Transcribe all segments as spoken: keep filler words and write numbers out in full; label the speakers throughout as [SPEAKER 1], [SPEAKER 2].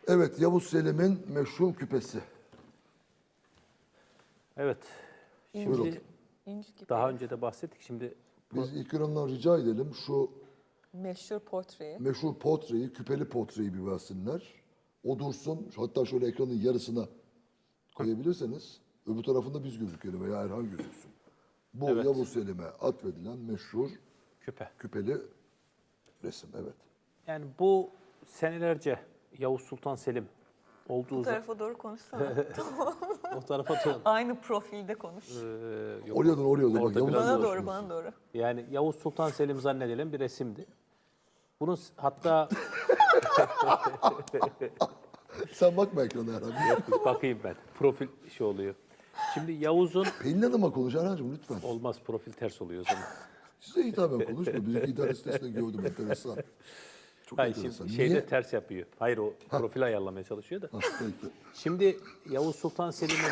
[SPEAKER 1] Evet, Yavuz Selim'in meşhur küpesi.
[SPEAKER 2] Evet.
[SPEAKER 1] Buyurun.
[SPEAKER 2] Şimdi
[SPEAKER 3] İnci gibi.
[SPEAKER 2] daha önce de bahsettik. Şimdi
[SPEAKER 1] Biz İkram'dan rica edelim şu
[SPEAKER 3] Meşhur portreyi.
[SPEAKER 1] meşhur portreyi, küpeli portreyi bir versinler. O dursun. Hatta şöyle ekranın yarısına koyabilirseniz öbür tarafında biz gözükelim veya Erhan gözüksün. Bu
[SPEAKER 2] Evet.
[SPEAKER 1] Yavuz Selim'e atfedilen meşhur
[SPEAKER 2] küpe.
[SPEAKER 1] küpeli resim. Evet.
[SPEAKER 2] Yani bu senelerce Yavuz Sultan Selim olduğu
[SPEAKER 3] Bu
[SPEAKER 2] zaman
[SPEAKER 3] tarafa doğru konuşsana.
[SPEAKER 2] o tarafa dön.
[SPEAKER 3] Aynı profilde konuş.
[SPEAKER 2] Ee, yok.
[SPEAKER 1] Oraya dön, oraya dön. Bak,
[SPEAKER 2] Orada
[SPEAKER 1] Yavuz
[SPEAKER 2] biraz
[SPEAKER 3] Bana
[SPEAKER 1] Selim
[SPEAKER 3] doğru,
[SPEAKER 1] şurası.
[SPEAKER 3] bana doğru.
[SPEAKER 2] Yani Yavuz Sultan Selim zannedilen bir resimdi. Bunun s- hatta
[SPEAKER 1] Sen bakma ekrana Erhan.
[SPEAKER 2] bakayım ben. Profil şey oluyor. Şimdi Yavuz'un
[SPEAKER 1] Pelin Hanım'a konuş Erhan'cığım lütfen.
[SPEAKER 2] olmaz, profil ters oluyor o zaman.
[SPEAKER 1] Size hitaben konuşma. Bizim internet sitesinde gördüm enteresan. Çok
[SPEAKER 2] Hayır,
[SPEAKER 1] enteresan.
[SPEAKER 2] şimdi şeyde
[SPEAKER 1] Niye?
[SPEAKER 2] ters yapıyor. Hayır, o profil ayarlamaya çalışıyor da.
[SPEAKER 1] Ha, peki.
[SPEAKER 2] Şimdi Yavuz Sultan Selim'in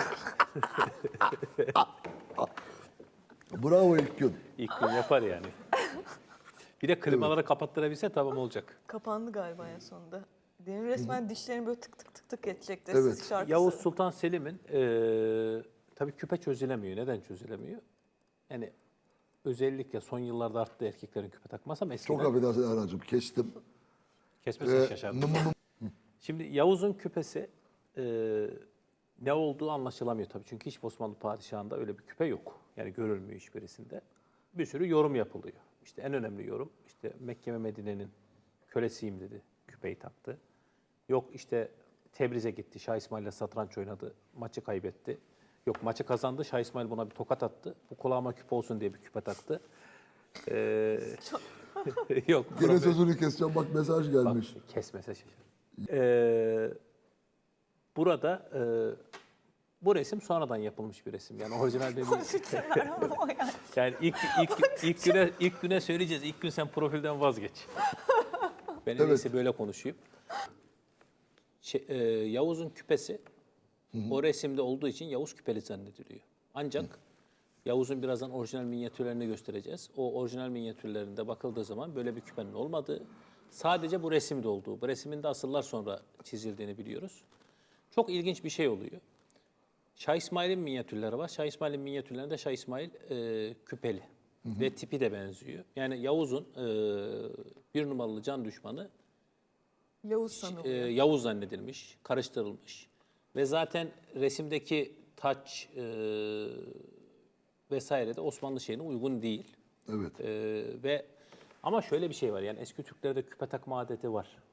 [SPEAKER 1] Bravo ilk gün.
[SPEAKER 2] ilk gün yapar yani. Bir de klimaları kapattırabilse tamam olacak.
[SPEAKER 3] Kapandı galiba en sonunda. Demin resmen dişlerini böyle tık tık tık tık edecekti.
[SPEAKER 1] Evet.
[SPEAKER 3] Siz şarkısı.
[SPEAKER 2] Yavuz Sultan Selim'in eee tabii küpe çözülemiyor. Neden çözülemiyor? Yani özellikle son yıllarda arttı erkeklerin küpe takması ama eskiden
[SPEAKER 1] Çok affedersin Erhan'cığım kestim.
[SPEAKER 2] kesmesine
[SPEAKER 1] Ee,
[SPEAKER 2] şaşardım.
[SPEAKER 1] mı- mı- mı-
[SPEAKER 2] Şimdi Yavuz'un küpesi eee, ne olduğu anlaşılamıyor tabii. Çünkü hiç Osmanlı padişahında öyle bir küpe yok. Yani görülmüyor hiçbirisinde. Bir sürü yorum yapılıyor. İşte en önemli yorum işte Mekke ve Medine'nin kölesiyim dedi. Küpeyi taktı. Yok işte Tebriz'e gitti. Şah İsmail'le satranç oynadı. Maçı kaybetti. Yok maçı kazandı. Şah İsmail buna bir tokat attı. Bu kulağıma küpe olsun diye bir küpe taktı. Ee, yok.
[SPEAKER 1] Gene
[SPEAKER 2] profil-
[SPEAKER 1] sözünü keseceğim bak mesaj
[SPEAKER 2] Bak,
[SPEAKER 1] gelmiş.
[SPEAKER 2] kesmese şaşır. Ee, burada e, bu resim sonradan yapılmış bir resim. Yani orijinal bir yani ilk ilk ilk güne ilk güne söyleyeceğiz. İlk gün sen profilden vazgeç. Ben en
[SPEAKER 1] Evet.
[SPEAKER 2] iyisi böyle konuşayım. Şey, e, Yavuz'un küpesi o resimde olduğu için Yavuz küpeli zannediliyor. Ancak Yavuz'un birazdan orijinal minyatürlerini göstereceğiz. O orijinal minyatürlerinde bakıldığı zaman böyle bir küpenin olmadığı, sadece bu resimde olduğu, bu resmin de asırlar sonra çizildiğini biliyoruz. Çok ilginç bir şey oluyor. Şah İsmail'in minyatürleri var. Şah İsmail'in minyatürlerinde Şah İsmail e, küpeli ve tipi de benziyor. Yani Yavuz'un e, bir numaralı can düşmanı
[SPEAKER 3] Yavuz
[SPEAKER 2] e,
[SPEAKER 3] sanılıyor.
[SPEAKER 2] Yavuz zannedilmiş, karıştırılmış. Ve zaten resimdeki taç e, vesaire de Osmanlı şeyine uygun değil.
[SPEAKER 1] Evet.
[SPEAKER 2] E, ve ama şöyle bir şey var, yani eski Türklerde küpe takma adeti var.